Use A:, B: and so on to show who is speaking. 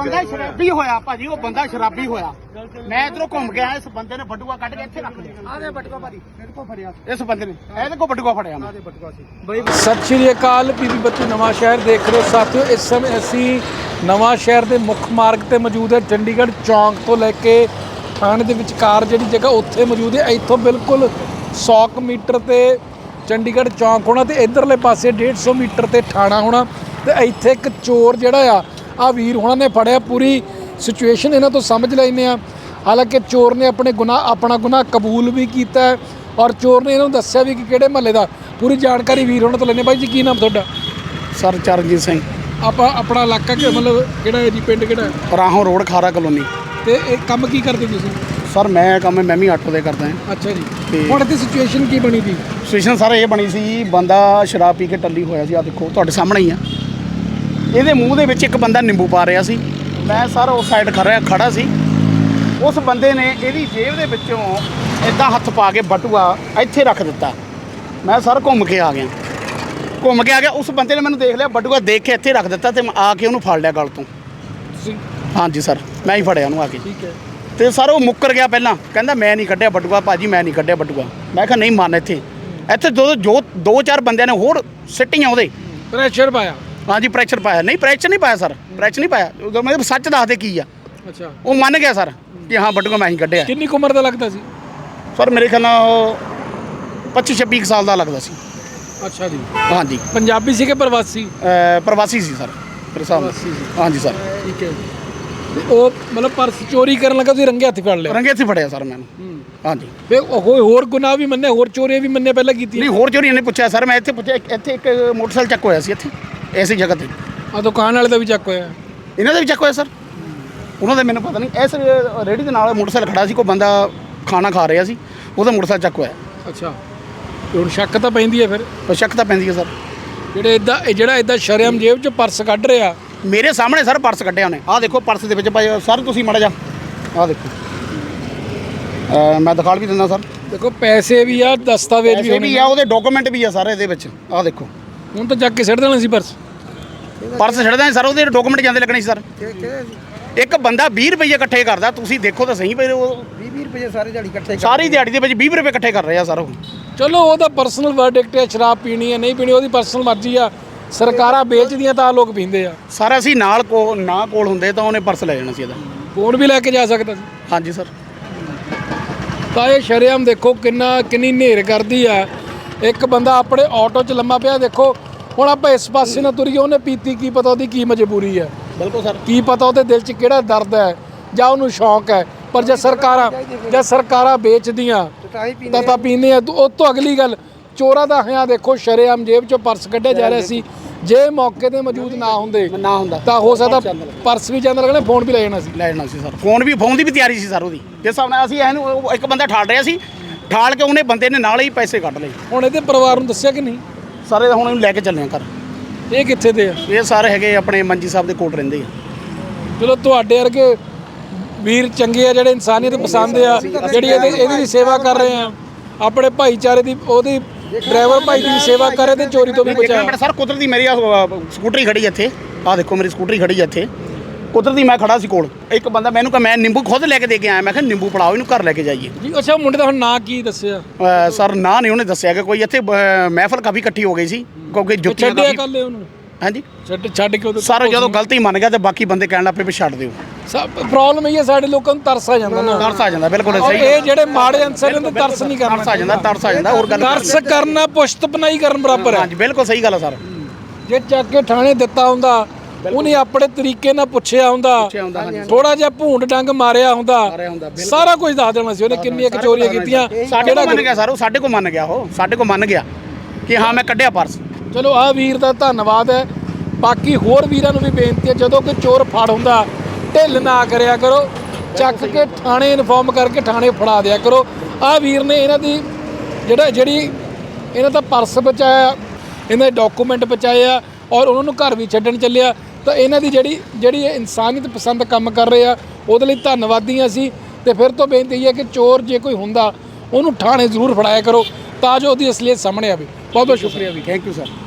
A: ਬੰਦਾ ਸ਼ਰਾਬੀ ਹੋਇਆ ਭਾਜੀ, ਉਹ ਬੰਦਾ ਸ਼ਰਾਬੀ ਹੋਇਆ। ਮੈਂ ਇਧਰੋਂ ਘੁੰਮ ਗਿਆ, ਇਸ ਬੰਦੇ ਨੇ ਬਟੂਆ ਕੱਢ ਕੇ ਇੱਥੇ ਰੱਖ ਲਿਆ। ਆਹ ਬਟੂਆ ਭਾਜੀ ਮੇਰੇ ਕੋਲ ਫੜਿਆ, ਇਸ ਬੰਦੇ ਨੇ ਇਹਦੇ ਕੋਲ ਬਟੂਆ ਫੜਿਆ। ਮੈਂ ਬਟੂਆ ਸੀ।
B: ਸਤਿ ਸ਼੍ਰੀ ਅਕਾਲ, ਬੀਬੀ ਬੱਤੀ ਨਵਾਂ ਸ਼ਹਿਰ ਦੇਖ ਰਹੇ ਹੋ ਸਾਥੀਓ। ਇਸ ਸਮੇਂ ਅਸੀਂ ਨਵਾਂ ਸ਼ਹਿਰ ਦੇ ਮੁੱਖ ਮਾਰਗ ਤੇ ਮੌਜੂਦ ਹੈ। ਚੰਡੀਗੜ੍ਹ ਚੌਂਕ ਤੋਂ ਲੈ ਕੇ ਥਾਣੇ ਦੇ ਵਿਚਕਾਰ ਜਿਹੜੀ ਜਗ੍ਹਾ ਉੱਥੇ ਮੌਜੂਦ ਹੈ। ਇੱਥੋਂ ਬਿਲਕੁਲ 100 ਮੀਟਰ ਤੇ ਚੰਡੀਗੜ੍ਹ ਚੌਂਕ ਹੋਣਾ ਤੇ ਇਧਰਲੇ ਪਾਸੇ 150 ਮੀਟਰ ਤੇ ਥਾਣਾ ਹੋਣਾ। ਤੇ ਇੱਥੇ ਇੱਕ ਚੋਰ ਜਿਹੜਾ ਆ ਵੀਰ ਹੋਣਾ ਨੇ ਫੜਿਆ। ਪੂਰੀ ਸਿਚੁਏਸ਼ਨ ਇਹਨਾਂ ਤੋਂ ਸਮਝ ਲੈਂਦੇ ਆ। ਹਾਲਾਂਕਿ ਚੋਰ ਨੇ ਆਪਣਾ ਗੁਨਾਹ ਕਬੂਲ ਵੀ ਕੀਤਾ ਔਰ ਚੋਰ ਨੇ ਇਹਨਾਂ ਨੂੰ ਦੱਸਿਆ ਵੀ ਕਿ ਕਿਹੜੇ ਮਹੱਲੇ ਦਾ। ਪੂਰੀ ਜਾਣਕਾਰੀ ਵੀਰ ਹੋਣਾ ਤੋਂ ਲੈਣੇ। ਬਾਈ ਜੀ ਕੀ ਨਾਮ ਤੁਹਾਡਾ?
A: ਸਰ ਚਰਨਜੀਤ ਸਿੰਘ।
B: ਆਪਣਾ ਇਲਾਕਾ ਮਤਲਬ ਕਿਹੜਾ ਹੈ ਜੀ? ਪਿੰਡ ਕਿਹੜਾ?
A: Rahon road, Khara colony.
B: ਤੇ ਇਹ ਕੰਮ ਕੀ ਕਰਦੇ ਤੁਸੀਂ?
A: ਸਰ ਮੈਂ ਵੀ ਆਟੋ ਦੇ ਕਰਦਾ ਹਾਂ।
B: ਅੱਛਾ ਜੀ। ਹੁਣ ਇੱਥੇ ਸਿਚੁਏਸ਼ਨ ਕੀ ਬਣੀ ਸੀ?
A: ਸਿਚੁਏਸ਼ਨ ਸਰ ਇਹ ਬਣੀ ਸੀ, ਬੰਦਾ ਸ਼ਰਾਬ ਪੀ ਕੇ ਟੱਲੀ ਹੋਇਆ ਸੀ। ਆ ਦੇਖੋ ਤੁਹਾਡੇ ਸਾਹਮਣੇ ਹੀ ਆ। ਇਹਦੇ ਮੂੰਹ ਦੇ ਵਿੱਚ ਇੱਕ ਬੰਦਾ ਨਿੰਬੂ ਪਾ ਰਿਹਾ ਸੀ। ਮੈਂ ਸਰ ਉਸ ਸਾਈਡ ਖੜਾ ਸੀ। ਉਸ ਬੰਦੇ ਨੇ ਇਹਦੀ ਜੇਬ ਦੇ ਵਿੱਚੋਂ ਇਦਾਂ ਹੱਥ ਪਾ ਕੇ ਬਟੂਆ ਇੱਥੇ ਰੱਖ ਦਿੱਤਾ। ਮੈਂ ਸਰ ਘੁੰਮ ਕੇ ਆ ਗਿਆ। ਉਸ ਬੰਦੇ ਨੇ ਮੈਨੂੰ ਦੇਖ ਲਿਆ, ਬਟੂਆ ਦੇਖ ਕੇ ਇੱਥੇ ਰੱਖ ਦਿੱਤਾ ਤੇ ਮੈਂ ਆ ਕੇ ਉਹਨੂੰ ਫੜ ਲਿਆ ਗਲ ਤੋਂ। ਹਾਂਜੀ ਸਰ, ਮੈਂ ਹੀ ਫੜਿਆ ਉਹਨੂੰ ਆ ਕੇ। ਠੀਕ ਹੈ। ਤੇ ਸਰ ਉਹ ਮੁੱਕਰ ਗਿਆ। ਪਹਿਲਾਂ ਕਹਿੰਦਾ ਮੈਂ ਨਹੀਂ ਕੱਢਿਆ ਬਟੂਆ ਭਾਜੀ, ਮੈਂ ਨਹੀਂ ਕੱਢਿਆ ਬਟੂਆ। ਮੈਂ ਕਿਹਾ ਨਹੀਂ ਮੰਨ। ਇੱਥੇ ਦੋ ਚਾਰ ਬੰਦਿਆਂ ਨੇ ਹੋਰ ਸਿੱਟੀਆਂ ਉਹਦੇ।
B: ਪ੍ਰੈਸ਼ਰ ਪਾਇਆ? ਹਾਂਜੀ
A: ਪ੍ਰੈਸ਼ਰ ਪਾਇਆ। ਨਹੀਂ ਪ੍ਰੈਸ਼ਰ ਨਹੀਂ ਪਾਇਆ ਸਰ, ਪ੍ਰੈਸ਼ਰ ਨਹੀਂ ਪਾਇਆ। ਉਦੋਂ ਮੈਂ ਸੱਚ ਦੱਸਦੇ ਕੀ ਆ।
B: ਅੱਛਾ।
A: ਉਹ ਮੰਨ ਗਿਆ ਸਰ ਕਿ ਹਾਂ ਬਟੂਆ ਮੈਂ ਹੀ ਕੱਢਿਆ।
B: ਕਿੰਨੀ ਉਮਰ ਦਾ ਲੱਗਦਾ ਸੀ
A: ਸਰ? ਮੇਰੇ ਖਿਆਲ ਨਾਲ 25-26 ਸਾਲ ਦਾ ਲੱਗਦਾ ਸੀ।
B: ਅੱਛਾ ਜੀ।
A: ਹਾਂਜੀ।
B: ਪੰਜਾਬੀ ਸੀ ਕਿ ਪ੍ਰਵਾਸੀ?
A: ਪ੍ਰਵਾਸੀ ਸੀ ਸਰ ਮੇਰੇ ਹਿਸਾਬ ਨਾਲ। ਹਾਂਜੀ ਸਰ।
B: ਠੀਕ ਹੈ। ਉਹ ਮਤਲਬ ਪਰਸ ਚੋਰੀ ਕਰਨ ਲੱਗਾ, ਤੁਸੀਂ ਰੰਗੇ ਹੱਥ ਫੜ ਲਿਆ?
A: ਰੰਗੇ ਹੱਥ ਫੜਿਆ ਸਰ ਮੈਨੂੰ। ਹਾਂਜੀ।
B: ਫਿਰ ਹੋਰ ਗੁਨਾਹ ਵੀ ਮੰਨੇ, ਹੋਰ ਚੋਰੀਆਂ ਵੀ ਮੰਨੇ ਪਹਿਲਾਂ ਕੀਤੀ?
A: ਨਹੀਂ ਹੋਰ ਚੋਰੀਆਂ ਨਹੀਂ ਪੁੱਛਿਆ ਸਰ। ਮੈਂ ਇੱਥੇ ਪੁੱਛਿਆ, ਇੱਥੇ ਇੱਕ ਮੋਟਰਸਾਈਕਲ ਚੱਕ ਹੋਇਆ ਸੀ ਇੱਥੇ ਐਸੀ ਜਗ੍ਹਾ ਤੇ।
B: ਆ ਦੁਕਾਨ ਵਾਲੇ ਦਾ ਵੀ ਚੱਕ ਹੋਇਆ?
A: ਇਹਨਾਂ ਦਾ ਵੀ ਚੱਕ ਹੋਇਆ ਸਰ। ਉਹਨਾਂ ਦਾ ਮੈਨੂੰ ਪਤਾ ਨਹੀਂ। ਇਸ ਰੇਹੜੀ ਦੇ ਨਾਲ ਮੋਟਰਸਾਈਕਲ ਖੜਾ ਸੀ, ਕੋਈ ਬੰਦਾ ਖਾਣਾ ਖਾ ਰਿਹਾ ਸੀ, ਉਹਦਾ ਮੋਟਰਸਾਈਕਲ ਚੱਕ ਹੋਇਆ।
B: ਅੱਛਾ। ਹੁਣ ਸ਼ੱਕ ਤਾਂ ਪੈਂਦੀ ਹੈ? ਫਿਰ
A: ਸ਼ੱਕ ਤਾਂ ਪੈਂਦੀ ਹੈ ਸਰ।
B: ਜਿਹੜਾ ਇਦਾਂ ਸ਼ਰੇਆਮ ਜੇਬ 'ਚ ਪਰਸ ਕੱਢ ਰਿਹਾ? ਮੇਰੇ
A: ਸਾਹਮਣੇ ਸਰ ਪਰਸ ਕੱਢਿਆ ਉਹਨੇ। ਆਹ ਦੇਖੋ ਪਰਸ ਦੇ ਵਿੱਚ ਭਾਈ ਸਰ, ਤੁਸੀਂ ਮਾੜਾ ਜਾ ਆਹ ਦੇਖੋ। ਮੈਂ ਦਿਖਾ ਵੀ ਦਿੰਦਾ ਸਰ।
B: ਦੇਖੋ ਪੈਸੇ ਵੀ ਆ, ਦਸਤਾਵੇਜ਼ ਵੀ
A: ਆ, ਉਹਦੇ ਡਾਕੂਮੈਂਟ ਵੀ ਆ ਸਾਰੇ ਇਹਦੇ ਵਿੱਚ। ਆਹ ਦੇਖੋ।
B: ਹੁਣ ਤਾਂ ਚੱਕ ਕੇ ਸਿੱਟ ਦੇਣਾ ਸੀ ਪਰਸ
A: ਛੱਡਦਾ ਸਰ, ਉਹਦੇ ਡਾਕੂਮੈਂਟ ਜਾਂਦੇ ਲੱਗਣੇ ਸੀ ਸਰ। ਇੱਕ ਬੰਦਾ 20 ਰੁਪਏ ਇਕੱਠੇ ਕਰਦਾ, ਤੁਸੀਂ ਦੇਖੋ ਤਾਂ ਸਹੀ ਪਏ। ਉਹ 20 ਰੁਪਏ ਸਾਰੀ ਦਿਹਾੜੀ ਦੇ ਵਿੱਚ 20 ਰੁਪਏ ਇਕੱਠੇ ਕਰ ਰਹੇ ਆ ਸਰ ਉਹ।
B: ਚਲੋ ਉਹਦਾ ਪਰਸਨਲ ਵਰਡਿਕਟ ਹੈ, ਸ਼ਰਾਬ ਪੀਣੀ ਹੈ ਨਹੀਂ ਪੀਣੀ ਉਹਦੀ ਪਰਸਨਲ ਮਰਜ਼ੀ ਆ। ਸਰਕਾਰਾਂ ਵੇਚਦੀਆਂ ਤਾਂ ਲੋਕ ਪੀਂਦੇ ਆ।
A: ਸਰ ਅਸੀਂ ਕੋਲ ਹੁੰਦੇ ਤਾਂ ਉਹਨੇ ਪਰਸ ਲੈ ਜਾਣਾ ਸੀ ਇਹਦਾ।
B: ਫੋਨ ਵੀ ਲੈ ਕੇ ਜਾ ਸਕਦਾ ਸੀ।
A: ਹਾਂਜੀ ਸਰ।
B: ਤਾਂ ਇਹ ਸ਼ਰੇਆਮ ਦੇਖੋ ਕਿੰਨੀ ਨੇਰ ਕਰਦੀ ਆ। ਇੱਕ ਬੰਦਾ ਆਪਣੇ ਆਟੋ 'ਚ ਲੰਮਾ ਪਿਆ। ਦੇਖੋ ਹੁਣ ਆਪਾਂ ਇਸ ਪਾਸੇ ਨਾ ਤੁਰੀਏ, ਉਹਨੇ ਪੀਤੀ, ਕੀ ਪਤਾ ਉਹਦੀ ਕੀ ਮਜਬੂਰੀ ਹੈ।
A: ਬਿਲਕੁਲ ਸਰ।
B: ਕੀ ਪਤਾ ਉਹਦੇ ਦਿਲ 'ਚ ਕਿਹੜਾ ਦਰਦ ਹੈ ਜਾਂ ਉਹਨੂੰ ਸ਼ੌਂਕ ਹੈ। ਪਰ ਜੇ ਸਰਕਾਰਾਂ ਵੇਚਦੀਆਂ ਤਾਂ ਪੀਂਦੇ ਆ। ਉਹ ਤੋਂ ਅਗਲੀ ਗੱਲ, ਚੋਰਾਂ ਦਾ ਹਿਆ ਦੇਖੋ ਸ਼ਰੇਆਮ ਜੇਬ 'ਚੋਂ ਪਰਸ ਕੱਢਿਆ ਜਾ ਰਿਹਾ ਸੀ। ਜੇ ਮੌਕੇ 'ਤੇ ਮੌਜੂਦ ਨਾ ਹੁੰਦਾ ਤਾਂ ਹੋ ਸਕਦਾ ਪਰਸ ਵੀ ਜਾਂਦਾ ਲੱਗਣਾ, ਫੋਨ ਵੀ ਲੈ ਜਾਣਾ ਸੀ
A: ਸਰ। ਫੋਨ ਦੀ ਵੀ ਤਿਆਰੀ ਸੀ ਸਰ ਉਹਦੀ। ਜਿਸ ਹਿਸਾਬ ਨਾਲ ਅਸੀਂ ਇਹਨੂੰ ਇੱਕ ਬੰਦਾ ਠਾਲ ਰਿਹਾ ਸੀ, ਠਾਲ ਕੇ ਉਹਨੇ ਬੰਦੇ ਨੇ ਨਾਲ ਹੀ ਪੈਸੇ ਕੱਢ ਲਏ।
B: ਹੁਣ ਇਹਦੇ ਪਰਿਵਾਰ ਨੂੰ ਦੱਸਿਆ ਕਿ ਨਹੀਂ?
A: ਸਾਰੇ ਹੁਣ ਇਹਨੂੰ ਲੈ ਕੇ ਚੱਲੇ ਆ ਘਰ।
B: ਇਹ ਕਿੱਥੇ ਦੇ ਆ?
A: ਇਹ ਸਾਰੇ ਹੈਗੇ ਆਪਣੇ ਮੰਜੀ ਸਾਹਿਬ ਦੇ ਕੋਲ ਰਹਿੰਦੇ ਆ।
B: ਚਲੋ ਤੁਹਾਡੇ ਵਰਗੇ ਵੀਰ ਚੰਗੇ ਆ, ਜਿਹੜੇ ਇਨਸਾਨੀਅਤ ਪਸੰਦ ਆ, ਜਿਹੜੀ ਇਹਦੀ ਵੀ ਸੇਵਾ ਕਰ ਰਹੇ ਆ, ਆਪਣੇ ਭਾਈਚਾਰੇ ਦੀ, ਉਹਦੀ ਡਰਾਈਵਰ ਭਾਈ ਦੀ ਸੇਵਾ ਕਰ ਰਹੇ ਤੇ ਚੋਰੀ ਤੋਂ ਵੀ ਬਚਾਇਆ।
A: ਸਰ ਕੁਦਰਤੀ ਮੇਰੀ ਸਕੂਟਰੀ ਖੜੀ ਇੱਥੇ। ਆਹ ਦੇਖੋ ਮੇਰੀ ਸਕੂਟਰੀ ਖੜੀ ਇੱਥੇ। ਕੁਦਰਤੀ ਮੈਂ ਖੜਾ ਸੀ ਕੋਲ। ਇੱਕ ਬੰਦਾ ਮੈਨੂੰ ਕਹ, ਮੈਂ ਨਿੰਬੂ ਖੁਦ ਲੈ ਕੇ ਦੇ ਕੇ ਆਇਆ। ਮੈਂ ਕਿਹਾ ਨਿੰਬੂ ਫੜਾਓ, ਇਹਨੂੰ ਘਰ ਲੈ ਕੇ ਜਾਈਏ
B: ਜੀ। ਅੱਛਾ, ਮੁੰਡੇ ਦਾ ਹੁਣ ਨਾਂ ਕੀ ਦੱਸਿਆ?
A: ਸਰ ਨਾਂ ਨਹੀਂ ਉਹਨੇ ਦੱਸਿਆ ਕਿ ਕੋਈ ਇੱਥੇ ਮਹਿਫਲ ਕਾਫੀ ਇਕੱਠੀ ਹੋ ਗਈ ਸੀ ਕਿਉਂਕਿ ਜੁੱਤੀਆਂ
B: ਛੱਡਿਆ ਕਰ ਲਿਓ ਉਹਨੂੰ।
A: ਹਾਂਜੀ
B: ਛੱਡ ਕੇ
A: ਸਰ ਜਦੋਂ ਗਲਤੀ ਮੰਨ ਗਿਆ ਤੇ ਬਾਕੀ ਬੰਦੇ ਕਹਿਣ ਲੱਗ ਪਏ ਵੀ ਛੱਡ ਦਿਓ।
B: ਪ੍ਰੋਬਲਮ ਇਹ ਹੈ ਸਾਡੇ ਲੋਕਾਂ ਨੂੰ ਤਰਸ ਆ ਜਾਂਦਾ ਨਾ।
A: ਤਰਸ ਆ ਜਾਂਦਾ ਬਿਲਕੁਲ ਸਹੀ।
B: ਇਹ ਜਿਹੜੇ ਮਾੜੇ ਅਨਸਰ ਨੇ ਤਰਸ ਨਹੀਂ ਕਰਨਾ।
A: ਤਰਸ ਆ ਜਾਂਦਾ ਹੋਰ ਗੱਲ।
B: ਤਰਸ ਕਰਨਾ ਪੁਸ਼ਤ ਪਨਾਈ ਕਰਨ ਬਰਾਬਰ ਹੈ।
A: ਹਾਂਜੀ ਬਿਲਕੁਲ ਸਹੀ ਗੱਲ ਹੈ ਸਰ।
B: ਜੇ ਚੱਕ ਕੇ ਥਾਣੇ ਦਿੱਤਾ ਹੁੰਦਾ, ਉਹਨੇ ਆਪਣੇ ਤਰੀਕੇ ਨਾਲ ਪੁੱਛਿਆ ਹੁੰਦਾ, ਥੋੜਾ ਜਿਹਾ ਭੂੰਡ ਡੰਗ ਮਾਰਿਆ ਹੁੰਦਾ, ਸਾਰਾ ਕੁਝ ਦੱਸ ਦੇਣਾ ਸੀ ਉਹਨੇ ਕਿੰਨੀਆਂ ਚੋਰੀਆਂ ਕੀਤੀਆਂ।
A: ਸਾਡੇ ਕੋਲ ਮੰਨ ਗਿਆ ਸਰ, ਉਹ ਸਾਡੇ ਕੋਲ ਮੰਨ ਗਿਆ। ਉਹ ਸਾਡੇ ਕੋਲ ਮੰਨ ਗਿਆ ਕਿ ਹਾਂ ਮੈਂ ਕੱਢਿਆ ਪਰਸ।
B: ਚਲੋ ਆਹ ਵੀਰ ਦਾ ਧੰਨਵਾਦ ਹੈ। ਬਾਕੀ ਹੋਰ ਵੀਰਾਂ ਨੂੰ ਵੀ ਬੇਨਤੀ ਹੈ, ਜਦੋਂ ਕੋਈ ਚੋਰ ਫੜ ਹੁੰਦਾ ਢਿੱਲ ਨਾ ਕਰਿਆ ਕਰੋ, ਚੱਕ ਕੇ ਥਾਣੇ ਇਨਫੋਰਮ ਕਰਕੇ ਥਾਣੇ ਫੜਾ ਦਿਆ ਕਰੋ। ਆਹ ਵੀਰ ਨੇ ਇਹਨਾਂ ਦੀ ਜਿਹੜੀ ਇਹਨਾਂ ਦਾ ਪਰਸ ਬਚਾਇਆ, ਇਹਨਾਂ ਦੇ ਡਾਕੂਮੈਂਟ ਬਚਾਏ ਆ ਔਰ ਉਹਨਾਂ ਨੂੰ ਘਰ ਵੀ ਛੱਡਣ ਚੱਲਿਆ। ਤਾਂ ਇਹਨਾਂ ਦੀ ਜਿਹੜੀ ਇਨਸਾਨੀਅਤ ਪਸੰਦ ਕੰਮ ਕਰ ਰਹੇ ਆ, ਉਹਦੇ ਲਈ ਧੰਨਵਾਦੀ ਹਾਂ ਅਸੀਂ। ਤੇ ਫਿਰ ਤੋਂ ਬੇਨਤੀ ਹੈ ਕਿ ਚੋਰ ਜੇ ਕੋਈ ਹੁੰਦਾ ਉਹਨੂੰ ਥਾਣੇ ਜ਼ਰੂਰ ਫੜਾਇਆ ਕਰੋ ਤਾਂ ਜੋ ਉਹਦੀ ਅਸਲੀਅਤ ਸਾਹਮਣੇ ਆਵੇ। ਬਹੁਤ ਬਹੁਤ ਸ਼ੁਕਰੀਆ ਵੀ।
A: Thank you sir.